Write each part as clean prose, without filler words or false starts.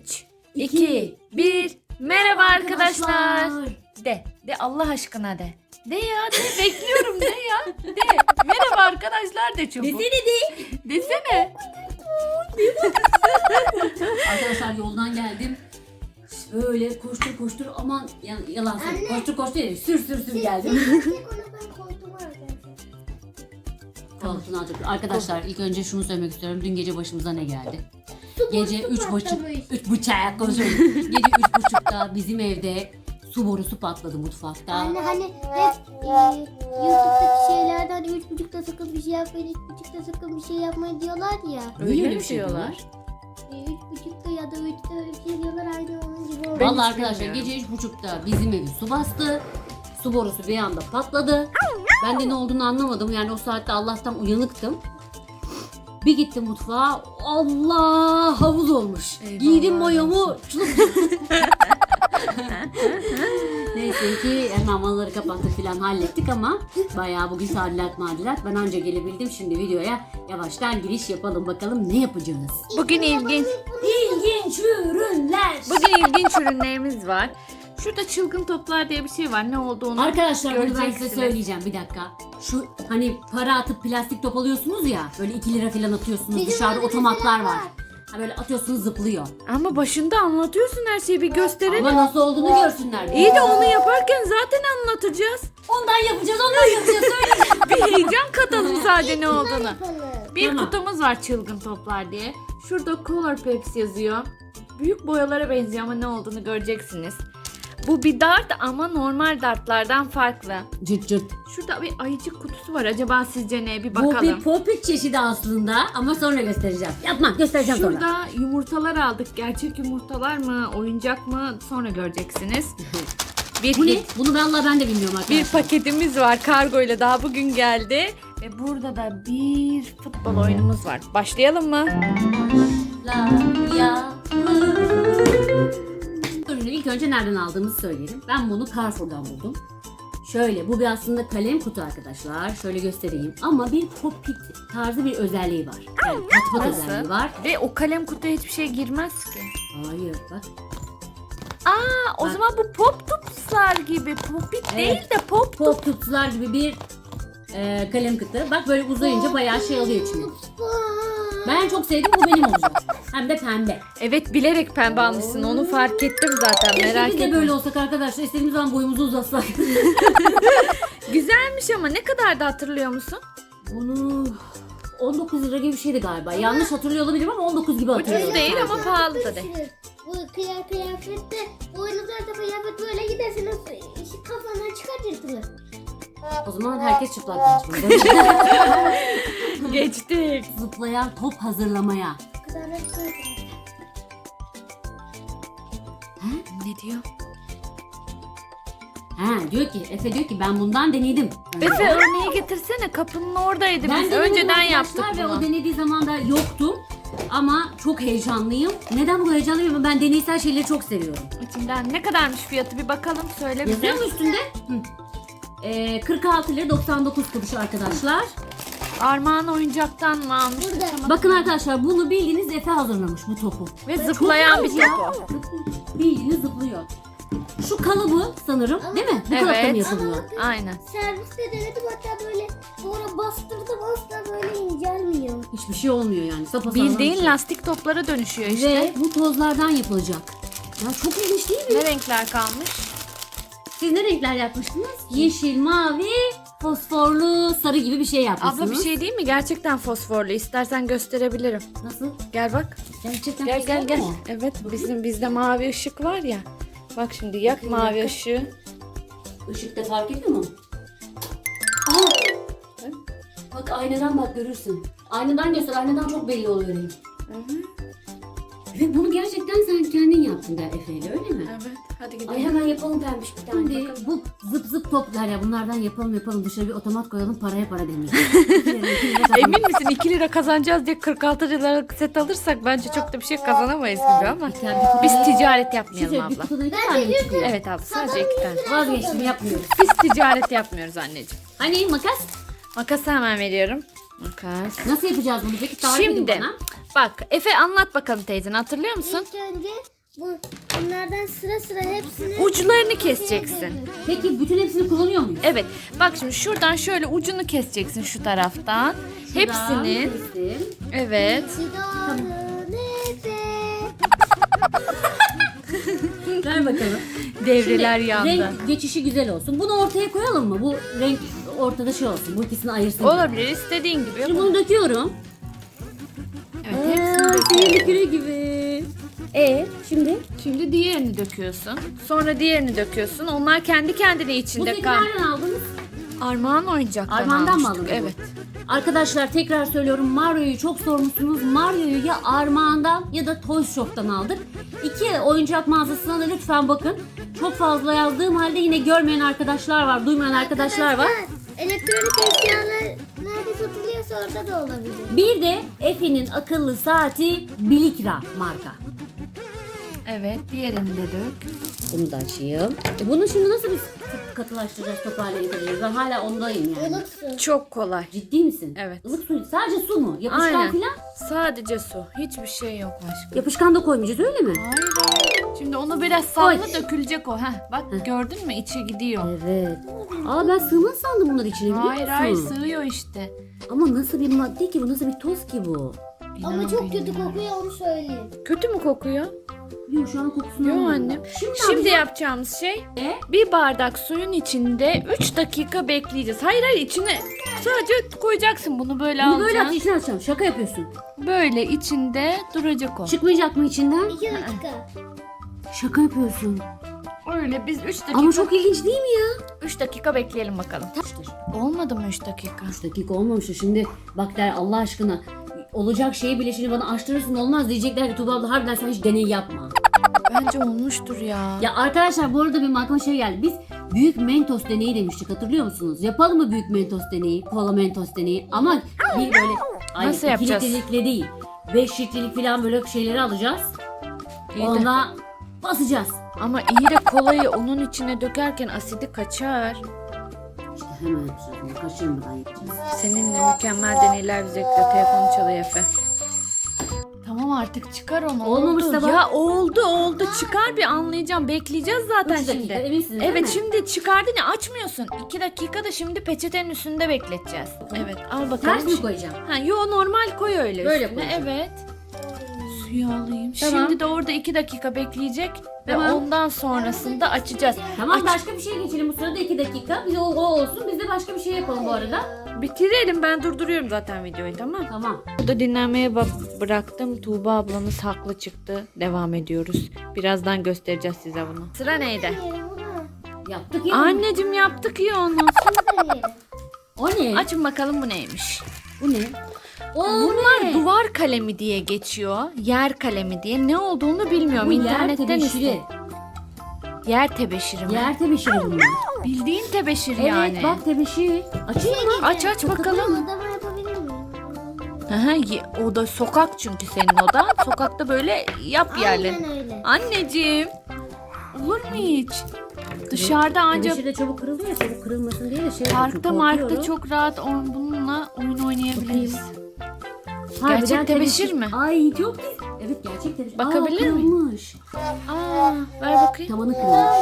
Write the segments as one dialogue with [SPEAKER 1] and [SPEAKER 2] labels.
[SPEAKER 1] 3, 2, 1. Merhaba arkadaşlar. De Allah aşkına de. De ya de, bekliyorum de ya. De. Merhaba arkadaşlar de çabuk.
[SPEAKER 2] Desene de.
[SPEAKER 1] Desene.
[SPEAKER 2] Arkadaşlar yoldan geldim. Böyle koştur aman yalan söyleyeyim. Koştur değil, sür geldim. Koltuğunu alacak. Arkadaşlar ilk önce şunu söylemek istiyorum. Dün gece başımıza ne geldi? Gece 3.30 konuşuyorum. Gece 3.30'da bizim evde su borusu patladı mutfakta.
[SPEAKER 3] Anne hani hep YouTube'daki şeylerde hani 3.30'da sakın bir şey yapmayın, 3.30'da sakın bir şey yapmayın diyorlar ya.
[SPEAKER 2] Niye öyle
[SPEAKER 1] mi
[SPEAKER 2] bir şey diyorlar?
[SPEAKER 3] 3.30'da ya da 3'te öyle bir şey diyorlar, aynı onun gibi oldu.
[SPEAKER 1] Ben
[SPEAKER 2] Vallahi
[SPEAKER 1] hiç
[SPEAKER 2] arkadaşlar
[SPEAKER 1] bilmiyorum.
[SPEAKER 2] gece 3.30'da bizim evi su bastı. Su borusu bir anda patladı. Ben de ne olduğunu anlamadım. Yani o saatte Allah'tan uyanıktım. Bir gittim mutfağa. Allah, havuz olmuş.
[SPEAKER 1] Eyvallah
[SPEAKER 2] Giydim mayomu. Neyse ki hemen mamaları kapattık falan hallettik ama bayağı bugün tadilat. Ben anca gelebildim. Şimdi videoya yavaştan giriş yapalım. Bakalım ne yapacağız?
[SPEAKER 1] Bugün ilginç
[SPEAKER 2] ürünler.
[SPEAKER 1] Bugün ilginç ürünlerimiz var. Şurada çılgın toplar diye bir şey var. Ne olduğunu
[SPEAKER 2] Arkadaşlar bunu ben size
[SPEAKER 1] göreceksiniz.
[SPEAKER 2] söyleyeceğim bir dakika. Şu hani para atıp plastik top alıyorsunuz ya, böyle 2 lira falan atıyorsunuz.
[SPEAKER 3] Bizim
[SPEAKER 2] Dışarıda
[SPEAKER 3] evde
[SPEAKER 2] otomatlar
[SPEAKER 3] mesela
[SPEAKER 2] var.
[SPEAKER 3] var.
[SPEAKER 2] Ha böyle atıyorsunuz, zıplıyor.
[SPEAKER 1] Ama başında anlatıyorsun her şeyi, bir gösterelim.
[SPEAKER 2] Ama nasıl olduğunu görsünler.
[SPEAKER 1] İyi de onu yaparken zaten anlatacağız.
[SPEAKER 2] Ondan yapacağız. Söyleyeceğim.
[SPEAKER 1] Bir heyecan katalım sadece ne olduğunu.
[SPEAKER 3] Yapalım.
[SPEAKER 1] Bir
[SPEAKER 2] Tamam.
[SPEAKER 1] kutumuz var çılgın toplar diye. Şurada Color Peps yazıyor. Büyük boyalara benziyor ama ne olduğunu göreceksiniz. Bu bir dart ama normal dartlardan farklı.
[SPEAKER 2] Cırt cırt.
[SPEAKER 1] Şurada bir ayıcık kutusu var. Acaba sizce ne? Bir
[SPEAKER 2] Bu
[SPEAKER 1] bakalım.
[SPEAKER 2] bir popit çeşidi aslında ama sonra göstereceğim. Yapma, göstereceğim sonra.
[SPEAKER 1] Şurada yumurtalar aldık. Gerçek yumurtalar mı? Oyuncak mı? Sonra göreceksiniz.
[SPEAKER 2] Bu ne? Bunu vallahi ben de bilmiyorum arkadaşlar.
[SPEAKER 1] Bir paketimiz var kargo ile, daha bugün geldi. Ve burada da bir futbol oyunumuz var. Başlayalım mı?
[SPEAKER 2] Ürünü ilk önce nereden aldığımızı söyleyelim. Ben bunu Carrefour'dan buldum. Şöyle, bu bir aslında kalem kutu arkadaşlar. Şöyle göstereyim. Ama bir popit tarzı bir özelliği var. Yani pat özelliği var.
[SPEAKER 1] Ve o kalem kutuya hiçbir şey girmez ki.
[SPEAKER 2] Hayır bak.
[SPEAKER 1] O
[SPEAKER 2] Bak.
[SPEAKER 1] zaman bu pop tupslar gibi. Popit değil de pop.
[SPEAKER 2] Pop tutsular gibi bir kalem kutu. Bak böyle uzayınca bayağı şey alıyor içine. Ben çok sevdim, bu benim olacak. Hem de pembe.
[SPEAKER 1] Evet, bilerek pembe almışsın, onu fark ettim zaten,
[SPEAKER 2] Keşke
[SPEAKER 1] merak
[SPEAKER 2] biz de
[SPEAKER 1] etme.
[SPEAKER 2] böyle olsak arkadaşlar. İstediğimiz zaman boyumuzu uzatsak.
[SPEAKER 1] Güzelmiş ama ne kadar da hatırlıyor musun?
[SPEAKER 2] Bunu 19 lira gibi bir şeydi galiba. Yanlış hatırlıyor olabilirim ama 19 gibi hatırlıyorum.
[SPEAKER 1] Ucuz değil ama pahalı da değil.
[SPEAKER 3] Bu kıyafette boynuzlarda kıyafet böyle gidersiniz, kafandan çıkartırsınız.
[SPEAKER 2] O zaman herkes çıplak kaçmalı.
[SPEAKER 1] Geçtik.
[SPEAKER 2] Zıplayan top hazırlamaya.
[SPEAKER 3] O kadar da
[SPEAKER 1] Ne diyor?
[SPEAKER 2] Diyor ki, Efe diyor ki ben bundan denedim.
[SPEAKER 1] Efe örneği getirsene, kapının oradaydı. Biz
[SPEAKER 2] denedim
[SPEAKER 1] önceden
[SPEAKER 2] arkadaşlar
[SPEAKER 1] yaptık
[SPEAKER 2] ve o
[SPEAKER 1] bunu.
[SPEAKER 2] denediği zaman da yoktum. Ama çok heyecanlıyım. Neden bu kadar heyecanlıyım? Ben deneysel şeyleri çok seviyorum.
[SPEAKER 1] İçinden ne kadarmış fiyatı bir bakalım, söyle bize.
[SPEAKER 2] Yazıyor mu üstünde? 46 lira 99 kuruş arkadaşlar.
[SPEAKER 1] Armağan oyuncaktan mı almış?
[SPEAKER 3] Burada.
[SPEAKER 2] Bakın arkadaşlar, bunu bildiğiniz Efe hazırlamış bu topu.
[SPEAKER 1] Ve zıplayan bir
[SPEAKER 2] Çok güzel.
[SPEAKER 1] top o.
[SPEAKER 2] Bildiğiniz zıplıyor. Şu kalıbı sanırım değil mi? Bu
[SPEAKER 1] Evet.
[SPEAKER 2] kalıpta mı yapılıyor?
[SPEAKER 1] Aynen.
[SPEAKER 3] Serviste denedim, hatta böyle sonra bastırdım, asla böyle incelmiyor.
[SPEAKER 2] Hiçbir şey olmuyor yani. Sapasağlam bir
[SPEAKER 1] Bildiğin
[SPEAKER 2] şey.
[SPEAKER 1] lastik toplara dönüşüyor işte.
[SPEAKER 2] Ve bu tozlardan yapılacak. Ya çok ilginç değil mi?
[SPEAKER 1] Ne renkler kalmış?
[SPEAKER 2] Siz ne renkler yapmıştınız? Yeşil, mavi, fosforlu, sarı gibi bir şey yapmışsınız.
[SPEAKER 1] Abla bir şey değil mi? Gerçekten fosforlu. İstersen gösterebilirim.
[SPEAKER 2] Nasıl?
[SPEAKER 1] Gel bak.
[SPEAKER 2] Gerçekten
[SPEAKER 1] Gel
[SPEAKER 2] fosfor
[SPEAKER 1] gel.
[SPEAKER 2] mu?
[SPEAKER 1] Evet, bizde mavi ışık var ya. Bak şimdi yak
[SPEAKER 2] Bakayım,
[SPEAKER 1] mavi
[SPEAKER 2] dakika.
[SPEAKER 1] ışığı.
[SPEAKER 2] Işıkta fark ediyor mu? Aa! Bak aynadan bak, görürsün. Aynadan göster, aynadan çok belli oluyor renk. Ve bunu gerçekten sen kendin yaptın der Efe'yle, öyle mi?
[SPEAKER 1] Evet. Hadi
[SPEAKER 2] Ay
[SPEAKER 1] gidelim.
[SPEAKER 2] hemen yapalım pembiş bir tane. Şimdi
[SPEAKER 1] bakalım.
[SPEAKER 2] bu zıp zıp toplar ya, bunlardan yapalım dışarı bir otomat koyalım, paraya para demeyelim.
[SPEAKER 1] Emin misin 2 lira kazanacağız diye 46 liralık set alırsak bence çok da bir şey kazanamayız gibi ama. Biz ticaret yapmayalım
[SPEAKER 2] Bir
[SPEAKER 1] abla.
[SPEAKER 2] kutuda 2 tane mi çıkıyor?
[SPEAKER 1] Evet abla, sadece 2 tane.
[SPEAKER 2] Vazgeçtim, yapmıyoruz.
[SPEAKER 1] Biz ticaret yapmıyoruz anneciğim.
[SPEAKER 2] Hani makas?
[SPEAKER 1] Makası hemen veriyorum. Makas.
[SPEAKER 2] Nasıl yapacağız bunu peki? Tarif edin
[SPEAKER 1] Şimdi
[SPEAKER 2] bana.
[SPEAKER 1] bak Efe, anlat bakalım teyzen, hatırlıyor musun?
[SPEAKER 3] İlk önce Bunlardan sıra sıra hepsini
[SPEAKER 1] Uçlarını keseceksin.
[SPEAKER 2] Peki bütün hepsini kullanıyor muyuz?
[SPEAKER 1] Evet. Bak şimdi şuradan şöyle ucunu keseceksin şu taraftan. Hepsinin.
[SPEAKER 2] Kestim.
[SPEAKER 1] Evet.
[SPEAKER 2] Ver bakalım.
[SPEAKER 1] Devreler
[SPEAKER 2] Şimdi
[SPEAKER 1] yandı.
[SPEAKER 2] renk geçişi güzel olsun. Bunu ortaya koyalım mı? Bu renk ortada şey olsun. Bu ikisini ayırsın.
[SPEAKER 1] Olabilir, istediğin gibi.
[SPEAKER 2] Şimdi bunu döküyorum.
[SPEAKER 1] Evet, hepsini dök.
[SPEAKER 2] Sihirli küre gibi. Şimdi?
[SPEAKER 1] Şimdi diğerini döküyorsun. Sonra diğerini döküyorsun. Onlar kendi kendine
[SPEAKER 2] Bu
[SPEAKER 1] içinde
[SPEAKER 2] seti
[SPEAKER 1] kal.
[SPEAKER 2] nereden aldınız?
[SPEAKER 1] Armağan oyuncaktan
[SPEAKER 2] Armağan'dan mı
[SPEAKER 1] almıştık.
[SPEAKER 2] aldınız?
[SPEAKER 1] Evet.
[SPEAKER 2] Arkadaşlar tekrar söylüyorum, Mario'yu çok sormuşsunuz. Mario'yu ya Armağan'dan ya da Toys Shop'tan aldık. İki oyuncak mağazasına da lütfen bakın. Çok fazla yazdığım halde yine görmeyen arkadaşlar var, duymayan arkadaşlar var.
[SPEAKER 3] Elektronik eşyalar nerede satılıyorsa orada da olabilir.
[SPEAKER 2] Bir de Efe'nin akıllı saati Bilikra marka.
[SPEAKER 1] Evet, diğerini de dök.
[SPEAKER 2] Bunu da açayım. Bunu şimdi nasıl biz katılaştıracağız, toparlayacağız? Ben hala ondayım yani.
[SPEAKER 3] Ilık su.
[SPEAKER 1] Çok kolay.
[SPEAKER 2] Ciddi misin?
[SPEAKER 1] Evet.
[SPEAKER 2] Ilık su, sadece su mu? Yapışkan
[SPEAKER 1] Aynen.
[SPEAKER 2] filan?
[SPEAKER 1] Sadece su. Hiçbir şey yok aşkım.
[SPEAKER 2] Yapışkan da koymayacağız öyle mi?
[SPEAKER 1] Hayır. Şimdi onu biraz salla,
[SPEAKER 2] Koy.
[SPEAKER 1] dökülecek o. Heh, bak gördün mü? İçe gidiyor.
[SPEAKER 2] Evet. Aa, ben sığmaz sandım bunlar içine, biliyor
[SPEAKER 1] Hayır
[SPEAKER 2] musun?
[SPEAKER 1] hayır, sığıyor işte.
[SPEAKER 2] Ama nasıl bir madde ki bu, nasıl bir toz ki bu?
[SPEAKER 3] Ama
[SPEAKER 1] İnan
[SPEAKER 3] çok kötü
[SPEAKER 1] bilmiyorum.
[SPEAKER 3] kokuyor onu söyleyeyim.
[SPEAKER 1] Kötü mü kokuyor?
[SPEAKER 2] Yok, şu an kokusunu
[SPEAKER 1] Yok
[SPEAKER 2] almadım.
[SPEAKER 1] annem.
[SPEAKER 2] Şimdi,
[SPEAKER 1] Şimdi yapacağımız şey
[SPEAKER 2] Ne?
[SPEAKER 1] bir bardak suyun içinde 3 dakika bekleyeceğiz. Hayır hayır, içine sadece koyacaksın bunu, böyle
[SPEAKER 2] Bunu böyle
[SPEAKER 1] alacaksın.
[SPEAKER 2] içine atacağım. Şaka yapıyorsun.
[SPEAKER 1] Böyle içinde duracak o.
[SPEAKER 2] Çıkmayacak mı içinden?
[SPEAKER 3] 2 dakika.
[SPEAKER 2] Şaka yapıyorsun.
[SPEAKER 1] Öyle biz 3 dakika
[SPEAKER 2] Ama çok ilginç değil mi ya?
[SPEAKER 1] 3 dakika bekleyelim bakalım. Olmadı mı 3 dakika?
[SPEAKER 2] 3 dakika olmamıştı. Şimdi bak der, Allah aşkına olacak şeyi bile şimdi bana açtırırsın, olmaz diyecekler ki Tuğba abla harbiden sen hiç deney yapma.
[SPEAKER 1] Bence olmuştur ya.
[SPEAKER 2] Ya arkadaşlar, bu arada benim aklıma şey geldi. Biz büyük Mentos deneyi demiştik, hatırlıyor musunuz? Yapalım mı büyük Mentos deneyi? Kola Mentos deneyi. Ama bir böyle
[SPEAKER 1] Nasıl
[SPEAKER 2] 2
[SPEAKER 1] yapacağız?
[SPEAKER 2] litrelikle değil. 5 litrelik falan böyle şeyleri alacağız.
[SPEAKER 1] İyi de-
[SPEAKER 2] Ona basacağız.
[SPEAKER 1] Ama iyi de kolayı onun içine dökerken asidi kaçar.
[SPEAKER 2] İşte hemen yapacağız. Bunu kaçırmadan yapacağız.
[SPEAKER 1] Seninle mükemmel deneyler bize bekliyor. Telefonu çalıyor Efe. Tamam artık çıkar onu.
[SPEAKER 2] Olmamışsa
[SPEAKER 1] oldu.
[SPEAKER 2] bak.
[SPEAKER 1] Ya oldu çıkar, bir anlayacağım. Bekleyeceğiz zaten
[SPEAKER 2] 3 dakika
[SPEAKER 1] şimdi.
[SPEAKER 2] eminsiniz değil
[SPEAKER 1] Evet
[SPEAKER 2] mi?
[SPEAKER 1] şimdi çıkardın ya, açmıyorsun. 2 dakika da şimdi peçetenin üstünde bekleteceğiz. Evet al bakalım.
[SPEAKER 2] Ters mi koyacağım?
[SPEAKER 1] Ha, yo normal koy öyle
[SPEAKER 2] Böyle
[SPEAKER 1] üstüne.
[SPEAKER 2] koyacağım.
[SPEAKER 1] Evet. Suyu alayım.
[SPEAKER 2] Tamam.
[SPEAKER 1] Şimdi de orada 2 dakika bekleyecek ve
[SPEAKER 2] Tamam.
[SPEAKER 1] ondan sonrasında açacağız.
[SPEAKER 2] Tamam,
[SPEAKER 1] Aç.
[SPEAKER 2] başka bir şey geçelim bu sırada 2 dakika. Biz o olsun. Biz de başka bir şey yapalım bu arada.
[SPEAKER 1] Bitirelim, ben durduruyorum zaten videoyu, tamam.
[SPEAKER 2] Tamam.
[SPEAKER 1] Burada dinlenmeye bıraktım. Tuğba ablamız haklı çıktı. Devam ediyoruz. Birazdan göstereceğiz size bunu. Sıra neydi?
[SPEAKER 3] Deneyelim bunu.
[SPEAKER 2] Yaptık ya.
[SPEAKER 1] Anneciğim yaptık ya onu.
[SPEAKER 3] Şimdi deneyelim.
[SPEAKER 2] O ne?
[SPEAKER 1] Açın bakalım bu neymiş.
[SPEAKER 2] Bu ne? O
[SPEAKER 1] Bunlar
[SPEAKER 2] ne?
[SPEAKER 1] duvar kalemi diye geçiyor. Yer kalemi diye. Ne olduğunu bilmiyorum.
[SPEAKER 2] Bu yer
[SPEAKER 1] İnternetten
[SPEAKER 2] tebeşiri.
[SPEAKER 1] iste. Yer tebeşiri mi?
[SPEAKER 2] Yer tebeşiri bunlar.
[SPEAKER 1] Bildiğin tebeşir
[SPEAKER 2] Evet,
[SPEAKER 1] yani.
[SPEAKER 2] bak tebeşir. Açayım mı?
[SPEAKER 1] Aç bakalım.
[SPEAKER 3] Odama yapabilir miyim?
[SPEAKER 1] Aha, o da sokak çünkü senin odan. Sokakta böyle yap yerlerini.
[SPEAKER 3] Aynen öyle.
[SPEAKER 1] Anneciğim. Olur mu hiç? Dışarıda ancak
[SPEAKER 2] Tebeşir de çabuk kırılıyor ya, çabuk kırılmasın diye de şey
[SPEAKER 1] parkta
[SPEAKER 2] yapıyorum,
[SPEAKER 1] markta
[SPEAKER 2] korkuyorum.
[SPEAKER 1] çok rahat bununla oyun oynayabiliriz.
[SPEAKER 2] Harbiden
[SPEAKER 1] Gerçek tebeşir mi?
[SPEAKER 2] Ay çok güzel. Evet, gerçek tebeşir.
[SPEAKER 1] Bakabilir miyim?
[SPEAKER 2] Kırılmış.
[SPEAKER 1] Aa, ver bakayım.
[SPEAKER 2] Tavanı kırılmış.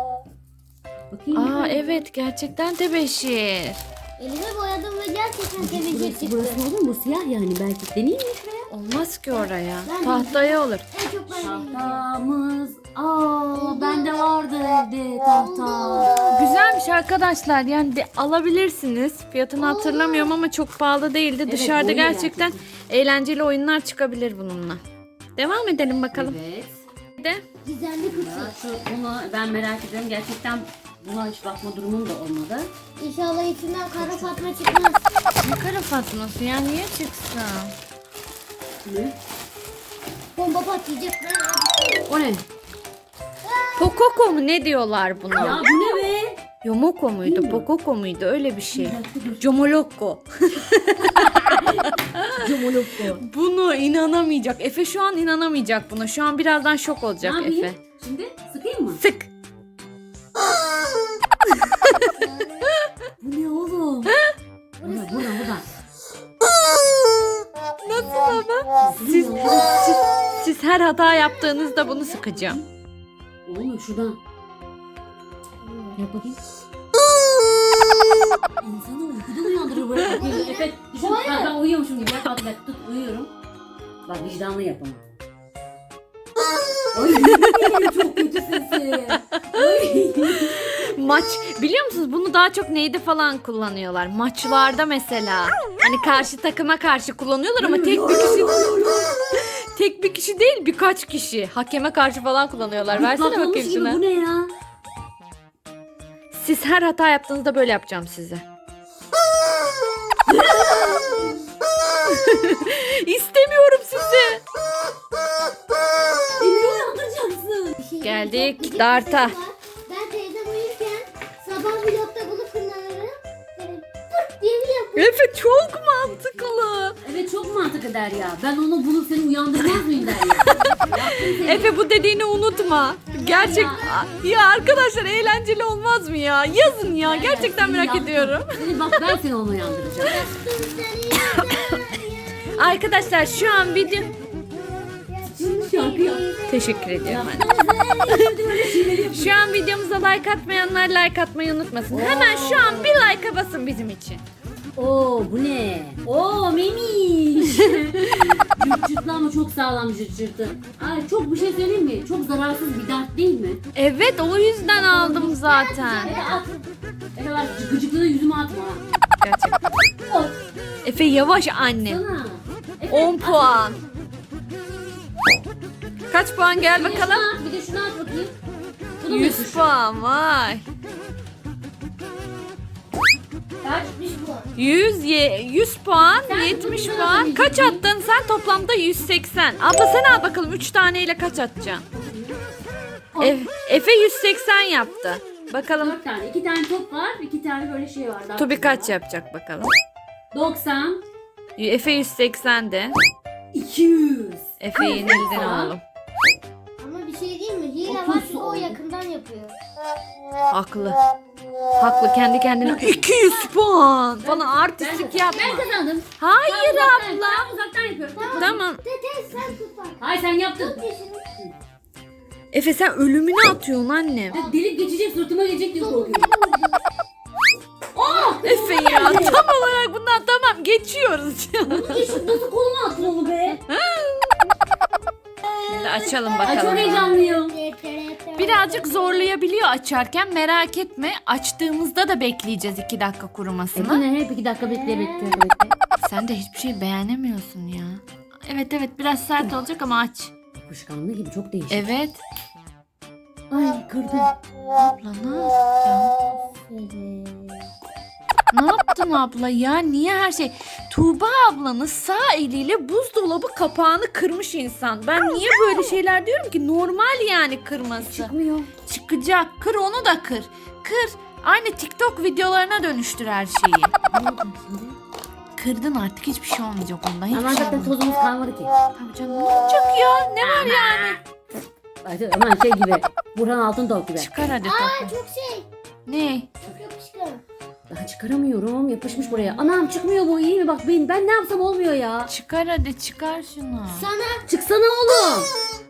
[SPEAKER 2] Bakayım.
[SPEAKER 1] Aa evet, gerçekten tebeşir.
[SPEAKER 3] Elime boyadım ve gerçekten temizlik
[SPEAKER 2] Burası,
[SPEAKER 3] çıktı.
[SPEAKER 2] burası olur mu? Bu siyah yani, belki deneyeyim mi şuraya?
[SPEAKER 1] Olmaz ki oraya.
[SPEAKER 3] Ben de-
[SPEAKER 1] Tahtaya olur.
[SPEAKER 3] En çok ben deneyeceğim.
[SPEAKER 2] Tahtamız. Aa, bende vardı evde tahta.
[SPEAKER 1] Güzelmiş arkadaşlar. Yani alabilirsiniz. Fiyatını hatırlamıyorum ama çok pahalı değildi.
[SPEAKER 2] Evet,
[SPEAKER 1] Dışarıda
[SPEAKER 2] oyun
[SPEAKER 1] gerçekten eğlenceli oyunlar çıkabilir bununla. Devam edelim bakalım.
[SPEAKER 2] Evet.
[SPEAKER 1] Bir de
[SPEAKER 3] Gizemli kutu.
[SPEAKER 2] Ya bunu ben merak ediyorum. Gerçekten buna hiç bakma durumum da olmadı.
[SPEAKER 3] İnşallah içinden kara fatma çıkmaz.
[SPEAKER 1] ne kara fatması ya, niye çıksın?
[SPEAKER 2] Ne?
[SPEAKER 3] Bomba patlayacak.
[SPEAKER 2] O ne?
[SPEAKER 1] Pokoko mu ne diyorlar
[SPEAKER 2] Ya
[SPEAKER 1] buna?
[SPEAKER 2] bu ne be?
[SPEAKER 1] Yomoko muydu?
[SPEAKER 2] Bilmiyorum.
[SPEAKER 1] Pokoko muydu? Öyle bir şey. Comolokko.
[SPEAKER 2] Cumulukku.
[SPEAKER 1] Bunu inanamayacak. Efe şu an inanamayacak buna. Şu an birazdan şok
[SPEAKER 2] Ne
[SPEAKER 1] olacak
[SPEAKER 2] yapayım?
[SPEAKER 1] Efe.
[SPEAKER 2] Şimdi sıkayım mı?
[SPEAKER 1] Sık.
[SPEAKER 2] Bu ne oğlum? Burada.
[SPEAKER 1] Nasıl ama? Siz her hata yaptığınızda bunu sıkacağım.
[SPEAKER 2] Olmuyor şuradan. Yap bakayım. İnsanı uykudan uyandırır böyle. Efe düşün. Ben uyuyormuşum gibi. Bak tut uyuyorum. Bak vicdanlı yap ama. Ay çok kötü sesi.
[SPEAKER 1] Maç biliyor musunuz bunu daha çok neyde falan kullanıyorlar? Maçlarda mesela. Hani karşı takıma karşı kullanıyorlar ama tek bir kişi değil birkaç kişi. Hakeme karşı falan kullanıyorlar. Versene
[SPEAKER 2] Patlamış
[SPEAKER 1] bakayım
[SPEAKER 2] gibi,
[SPEAKER 1] şuna.
[SPEAKER 2] bu ne ya?
[SPEAKER 1] Siz her hata yaptığınızda böyle yapacağım size. İstemiyorum sizi.
[SPEAKER 2] Beni uyandıracaksın.
[SPEAKER 1] Geldik darta.
[SPEAKER 3] Ben teyzem uyurken sabah vlogda bunu kullanırım. Böyle pırt diye bir yapıyor.
[SPEAKER 1] Efe çok mantıklı.
[SPEAKER 2] Evet çok mantıklı der ya. Ben onu bulup seni uyandırmaz mıyım der ya.
[SPEAKER 1] Efe bu dediğini unutma. Gerçek ya arkadaşlar eğlenceli olmaz mı ya? Yazın ya. Gerçekten merak ediyorum.
[SPEAKER 2] Seni bak ben seni onu uyandıracağım.
[SPEAKER 1] Arkadaşlar şu an video
[SPEAKER 2] Şarkı yap.
[SPEAKER 1] teşekkür ediyorum anne. Şu an videomuza like atmayanlar like atmayı unutmasın. Hemen şu an bir like'a basın bizim için.
[SPEAKER 2] Oo bu ne? Oo memiş. Cırtçırtlı ama çok sağlam cırtçırtı. Ay çok bir şey söyleyeyim mi? Çok zararsız bir dert değil mi?
[SPEAKER 1] Evet o yüzden aldım zaten.
[SPEAKER 2] Efe at. Efe bak gıcıklığı yüzüme atma.
[SPEAKER 1] Gerçekten.
[SPEAKER 2] Oy
[SPEAKER 1] Efe yavaş anne.
[SPEAKER 2] sana. Efe,
[SPEAKER 1] 10 puan. Kaç puan gel
[SPEAKER 2] Bir de
[SPEAKER 1] bakalım.
[SPEAKER 2] şunu at, bir de şunu at bakayım. Bu da mı
[SPEAKER 1] 100
[SPEAKER 2] yapışıyor?
[SPEAKER 1] puan vay.
[SPEAKER 2] Kaç?
[SPEAKER 1] 100 puan,
[SPEAKER 2] Sen
[SPEAKER 1] 70
[SPEAKER 2] bunu
[SPEAKER 1] puan.
[SPEAKER 2] biraz
[SPEAKER 1] Kaç
[SPEAKER 2] önceki-
[SPEAKER 1] attın sen? Toplamda 180. Abla sen al bakalım 3 taneyle kaç atacaksın? Efe 180 yaptı. Bakalım
[SPEAKER 2] 4 tane. 2 tane top var. 2 tane böyle şey var. Daha
[SPEAKER 1] Tubi kaç
[SPEAKER 2] var.
[SPEAKER 1] yapacak bakalım.
[SPEAKER 2] 90.
[SPEAKER 1] Efe 180 de.
[SPEAKER 2] 200.
[SPEAKER 1] Efe yenildin
[SPEAKER 2] Tamam.
[SPEAKER 1] oğlum.
[SPEAKER 3] Ama bir şey değil mi? Hile var
[SPEAKER 2] Otuz
[SPEAKER 3] çünkü o
[SPEAKER 2] oldu.
[SPEAKER 3] yakından yapıyor.
[SPEAKER 1] Haklı. Haklı kendi kendine 200 puan. Bana artistlik yapma.
[SPEAKER 2] Ben kazandım.
[SPEAKER 1] Hayır
[SPEAKER 2] Ben
[SPEAKER 1] abla.
[SPEAKER 2] uzaktan yapıyorum.
[SPEAKER 1] Tamam.
[SPEAKER 3] Tete sen tut bak.
[SPEAKER 2] Hayır sen yaptın.
[SPEAKER 1] Efe sen ölümüne atıyorsun annem.
[SPEAKER 2] Delip geçecek suratıma gelecek diye korkuyorum.
[SPEAKER 1] Efe ya tam olarak bundan tamam geçiyoruz.
[SPEAKER 2] Nasıl koluma attın onu be?
[SPEAKER 1] Şimdi açalım
[SPEAKER 2] Ay çok
[SPEAKER 1] bakalım.
[SPEAKER 2] heyecanlıyım.
[SPEAKER 1] Birazcık zorlayabiliyor açarken merak etme. Açtığımızda da bekleyeceğiz 2 dakika kurumasını.
[SPEAKER 2] ne hep 2 dakika bekle.
[SPEAKER 1] Sen de hiçbir şey beğenemiyorsun ya. Evet biraz sert olacak ama aç.
[SPEAKER 2] Kuşkanlı gibi çok değişik.
[SPEAKER 1] Evet.
[SPEAKER 2] Ay kırdım.
[SPEAKER 1] Abla ne yaptın? Ne yaptın abla ya? Niye her şey? Tuğba ablanın sağ eliyle buzdolabı kapağını kırmış insan. Ben niye böyle şeyler diyorum ki? Normal yani kırması.
[SPEAKER 2] Çıkmıyor.
[SPEAKER 1] Çıkacak. Kır onu da kır. Kır. Aynı TikTok videolarına dönüştür her şeyi.
[SPEAKER 2] Ne olacak şimdi?
[SPEAKER 1] Kırdın artık hiçbir şey olmayacak ondan. Hiçbir
[SPEAKER 2] Ama
[SPEAKER 1] şey
[SPEAKER 2] zaten
[SPEAKER 1] olmayacak.
[SPEAKER 2] tozumuz kalmadı ki.
[SPEAKER 1] Tabii canım ne olacak ya? Ne var yani?
[SPEAKER 2] Ay, hemen şey gibi. Burhan Altıntop gibi.
[SPEAKER 1] Çıkar hadi
[SPEAKER 3] Aa
[SPEAKER 1] tatlım.
[SPEAKER 3] çok şey.
[SPEAKER 1] Ne?
[SPEAKER 3] Çok yapışkan.
[SPEAKER 2] Daha çıkaramıyorum. Yapışmış buraya. Anam çıkmıyor bu iyi mi? Bak ben ne yapsam olmuyor ya.
[SPEAKER 1] Çıkar hadi çıkar şunu.
[SPEAKER 3] Sana
[SPEAKER 2] Çıksana oğlum.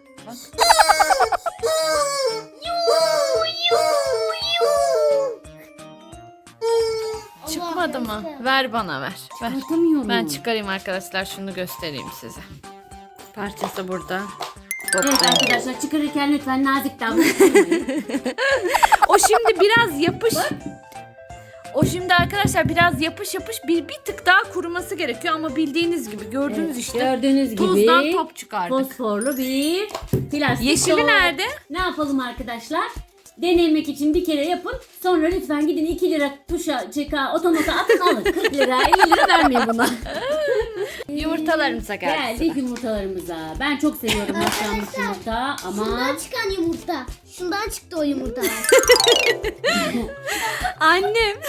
[SPEAKER 1] Çıkmadı mı? Ver bana ver. Ver.
[SPEAKER 2] Çıkartamıyorum.
[SPEAKER 1] Ben çıkarayım arkadaşlar şunu göstereyim size. Parçası burada.
[SPEAKER 2] Evet
[SPEAKER 1] Toplayın.
[SPEAKER 2] arkadaşlar çıkarırken lütfen nazik davranın.
[SPEAKER 1] O şimdi biraz yapış. O şimdi arkadaşlar biraz yapış bir tık daha kuruması gerekiyor ama bildiğiniz gibi gördüğünüz işte
[SPEAKER 2] Gördüğünüz gibi.
[SPEAKER 1] tuzdan top çıkardık.
[SPEAKER 2] Fosforlu bir plastik
[SPEAKER 1] Yeşili
[SPEAKER 2] top.
[SPEAKER 1] nerede?
[SPEAKER 2] Ne yapalım arkadaşlar? Denemek için bir kere yapın. Sonra lütfen gidin 2 lira tuşa, çeka, otomata atın alın. 40 lira, 50 lira vermeyin buna.
[SPEAKER 1] Yumurtalarımıza geldi.
[SPEAKER 2] Geldik yumurtalarımıza. Ben çok seviyorum haşlanmış yumurta ama...
[SPEAKER 3] şundan çıkan yumurta. Şundan çıktı o yumurta.
[SPEAKER 1] Annem.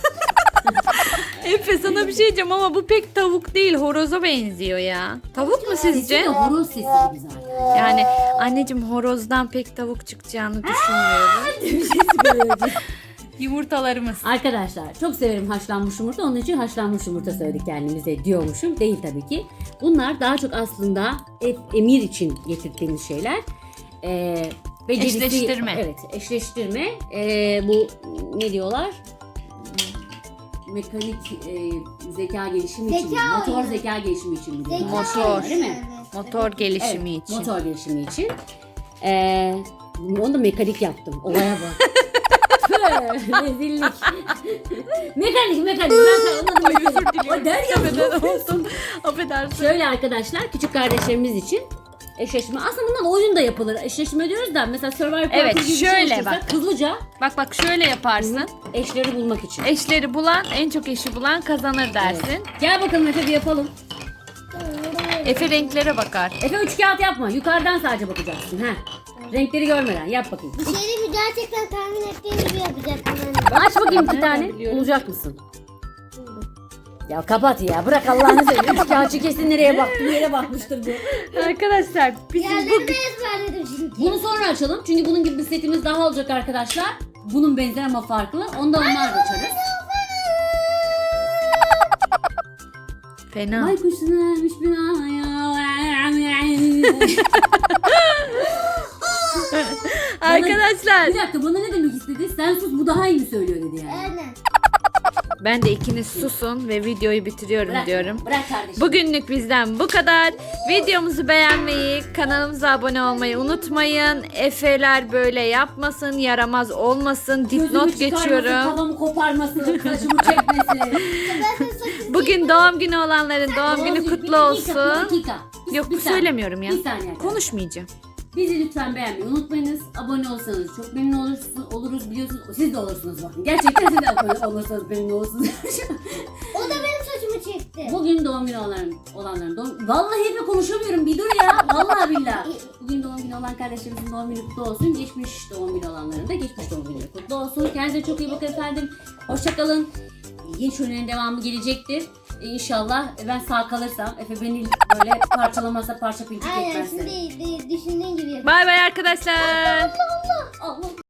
[SPEAKER 1] Efe sana bir şey diyeceğim ama bu pek tavuk değil horoza benziyor ya. Tavuk mu
[SPEAKER 2] Sesi de
[SPEAKER 1] sizce?
[SPEAKER 2] horoz sesi gibi zaten.
[SPEAKER 1] Yani anneciğim horozdan pek tavuk çıkacağını düşünmüyorum.
[SPEAKER 2] Bir şey söyleyeceğim.
[SPEAKER 1] Yumurtalarımız.
[SPEAKER 2] Arkadaşlar çok severim haşlanmış yumurta. Onun için haşlanmış yumurta söyledik kendimize diyormuşum. Değil tabii ki. Bunlar daha çok aslında emir için getirdiğimiz şeyler. Becerisi,
[SPEAKER 1] Eşleştirme.
[SPEAKER 2] Evet, eşleştirme. Bu ne diyorlar? Mekanik zeka gelişimi için.
[SPEAKER 3] Zeka
[SPEAKER 2] Motor
[SPEAKER 3] oyunu.
[SPEAKER 2] zeka gelişimi için. biliyorum.
[SPEAKER 1] Motor.
[SPEAKER 2] Değil mi?
[SPEAKER 1] Motor gelişimi
[SPEAKER 2] Evet,
[SPEAKER 1] için.
[SPEAKER 2] motor gelişimi için. Onu da mekanik yaptım. Olaya bak. Tüh, rezillik. mekanik. Ben sana
[SPEAKER 1] Ay özür diliyorum.
[SPEAKER 2] O der ya.
[SPEAKER 1] Affedersin olsun. Affedersin.
[SPEAKER 2] Şöyle arkadaşlar küçük kardeşlerimiz için eşleşme. Aslında bundan oyun da yapılır. Eşleşme diyoruz da mesela Survivor
[SPEAKER 1] Evet,
[SPEAKER 2] Party gibi bir şey
[SPEAKER 1] şöyle
[SPEAKER 2] oluştursak
[SPEAKER 1] bak.
[SPEAKER 2] hızlıca
[SPEAKER 1] Bak şöyle yaparsın.
[SPEAKER 2] eşleri bulmak için.
[SPEAKER 1] Eşleri bulan, en çok eşi bulan kazanır dersin.
[SPEAKER 2] Gel bakalım Efe bir yapalım.
[SPEAKER 1] Efe renklere bakar.
[SPEAKER 2] Efe üç kağıt yapma. Yukarıdan sadece bakacaksın. Renkleri görmeden yap bakayım.
[SPEAKER 3] Bir şeyi mi gerçekten tahmin ettiğim gibi yapacaktım ben.
[SPEAKER 2] Aç bakayım bir
[SPEAKER 1] Ben
[SPEAKER 2] tane.
[SPEAKER 1] biliyorum.
[SPEAKER 2] Bulacak mısın? Ya kapat ya. Bırak Allah'ını seversen. Üç kağıtçı kesin nereye baktı? Bir yere bakmıştır bu.
[SPEAKER 1] Arkadaşlar bizim
[SPEAKER 3] Diğerlerini de ezberledim çünkü.
[SPEAKER 2] Bunu sonra açalım. Çünkü bunun gibi bir setimiz daha olacak arkadaşlar. Bunun benzer ama farklı. Onu da onlar da açarız.
[SPEAKER 1] fena.
[SPEAKER 2] Ay kuşlarmış binaya.
[SPEAKER 1] Arkadaşlar
[SPEAKER 2] Bir dakika bana ne demek istedi? Sen sus bu daha iyi mi söylüyor dedi yani.
[SPEAKER 3] Aynen.
[SPEAKER 1] ben de ikiniz susun ve videoyu bitiriyorum
[SPEAKER 2] Bırak,
[SPEAKER 1] diyorum.
[SPEAKER 2] Bırak kardeşim.
[SPEAKER 1] Bugünlük bizden bu kadar. Videomuzu beğenmeyi, kanalımıza abone olmayı unutmayın. Efeler böyle yapmasın, yaramaz olmasın.
[SPEAKER 2] Gözümü
[SPEAKER 1] Dipnot
[SPEAKER 2] çıkarmasın,
[SPEAKER 1] geçiyorum.
[SPEAKER 2] kafamı koparmasın, saçımı çekmesin.
[SPEAKER 3] Ben de saçını
[SPEAKER 1] Bugün doğum günü olanların doğum günü kutlu
[SPEAKER 2] Bir dakika,
[SPEAKER 1] olsun.
[SPEAKER 2] bir dakika.
[SPEAKER 1] Yok
[SPEAKER 2] Bir saniye.
[SPEAKER 1] söylemiyorum ya.
[SPEAKER 2] Bir saniye. arkadaşlar.
[SPEAKER 1] Konuşmayacağım.
[SPEAKER 2] Bizi lütfen beğenmeyi unutmayınız. Abone olsanız çok memnun oluruz biliyorsunuz. Siz de olursunuz bakın. Gerçekten siz de abone olursanız memnun olursunuz.
[SPEAKER 3] O da benim saçımı çekti.
[SPEAKER 2] Bugün doğum günü olanların doğum... Vallahi hep konuşamıyorum bir dur ya. Vallahi billahi. Bugün doğum günü olan kardeşlerimizin doğum günü kutlu olsun. Geçmiş doğum günü olanların da geçmiş doğum günü kutlu olsun. Kendinize çok iyi bakın efendim. Hoşçakalın. Yeni şölelerin devamı gelecektir. İnşallah ben sağ kalırsam Efe beni böyle parçalamazsa parça pinçik
[SPEAKER 3] Aynen
[SPEAKER 2] etmezse.
[SPEAKER 3] şimdi düşündüğün gibi yapıyorum.
[SPEAKER 1] Bay bay arkadaşlar.
[SPEAKER 2] Allah.